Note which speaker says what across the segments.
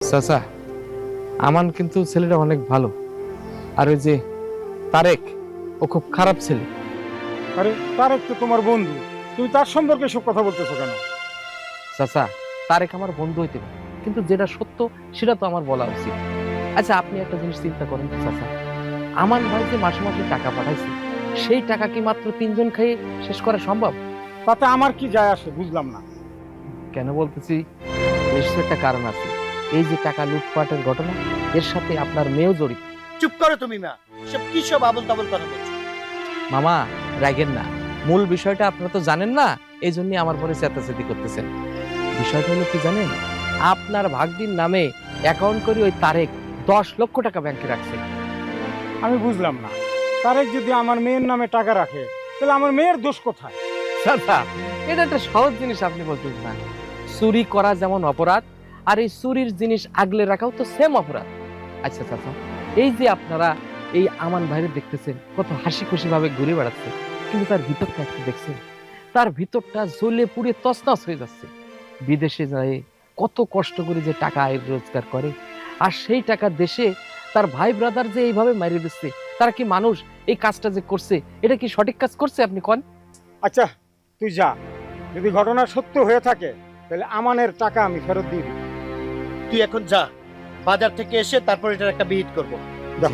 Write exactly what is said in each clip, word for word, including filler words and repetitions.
Speaker 1: চাচা, আমান কিন্তু ছেলেটা অনেক ভালো, আর ওই যে তারেক, ও খুব খারাপ ছেলে।
Speaker 2: আরে তারেক তো তোমার বন্ধু, তুমি তার সম্পর্কে সব কথা বলতেছো কেন?
Speaker 1: চাচা, তারেক আমার বন্ধু হইতে পারে, কিন্তু যেটা সত্য সেটা তো আমার বলা উচিত। আচ্ছা, আপনি একটা জিনিস চিন্তা করেন তো চাচা, আমান ভাই যে মাসে মাসে টাকা পাঠাইছে, সেই টাকা কি মাত্র তিনজন খেয়ে শেষ করা সম্ভব?
Speaker 2: তাতে আমার কি যায় আসে বুঝলাম না।
Speaker 1: কেন বলতেছি, নিশ্চয় একটা কারণ আছে। এই যে টাকা লুটপাটের ঘটনা, এর সাথে আপনার মেয়েও জড়িত।
Speaker 3: চুপ করো তুমি মা, সব কি সব আবল তাবল কথা বলছো?
Speaker 1: মামা, রাগেন না, মূল বিষয়টা আপনারা তো জানেন না, এই জন্য আমার পরে চেতাচেতি করতেছেন। বিষয়টা হলো কি জানেন, আপনার ভাগ্নির নামে অ্যাকাউন্ট করে ওই তারেক দশ লক্ষ টাকা ব্যাংকে রাখছে।
Speaker 2: আমি বুঝলাম না, তারেক যদি আমার মেয়ের নামে টাকা রাখে তাহলে আমার মেয়ের দোষ কোথায়?
Speaker 1: চাচা, এটা একটা সহজ জিনিস আপনি বলতেন না। চুরি করা যেমন অপরাধ, আর এই চুরির জিনিস আগলে রাখাও তো সেম অপরাধ। আচ্ছা চাচা, এই যে আপনারা এই আমান ভাইরে দেখতেছেন কত হাসি খুশি ভাবে ঘুরে বেড়াচ্ছে, কিন্তু তার ভিতরটা একটু দেখছেন, তার ভিতরটা জ্বলে পুড়ে তছনছ হয়ে যাচ্ছে। বিদেশে যায় কত কষ্ট করে যে টাকা আয় রোজগার করে, আর সেই টাকা দেশে তার ভাই ব্রাদার যে এইভাবে মারিয়ে দিচ্ছে, তারা কি মানুষ? এই কাজটা যে করছে, এটা কি সঠিক কাজ করছে আপনি কোন?
Speaker 2: আচ্ছা তুই যা, যদি ঘটনা সত্য হয়ে থাকে তাহলে আমানের টাকা আমি ফেরত দিয়ে দিই।
Speaker 3: তুই এখন যা, বাজার থেকে এসে তারপর এটার একটা বিহিত করবো।
Speaker 2: যা।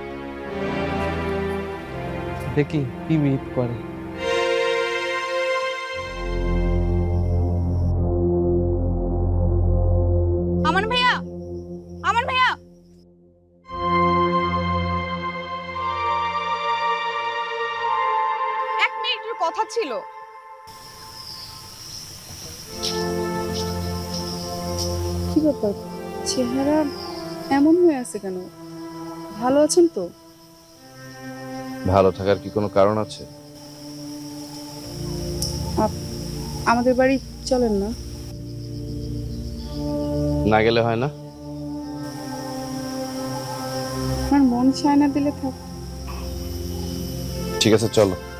Speaker 1: দেখি কি বিহিত করে।
Speaker 4: আমান ভাইয়া, আমান ভাইয়া, এক মিনিটের কথা ছিল।
Speaker 5: কি ব্যাপার, চেহারা এমন হয়ে আছে কেন? ভালো আছেন তো?
Speaker 6: ভালো থাকার কি কোনো কারণ আছে?
Speaker 5: আমাদের বাড়ি চলেন না?
Speaker 6: না গেলে হয় না?
Speaker 5: আমার মন চায় না দিলে থাক।
Speaker 6: ঠিক আছে, চলো।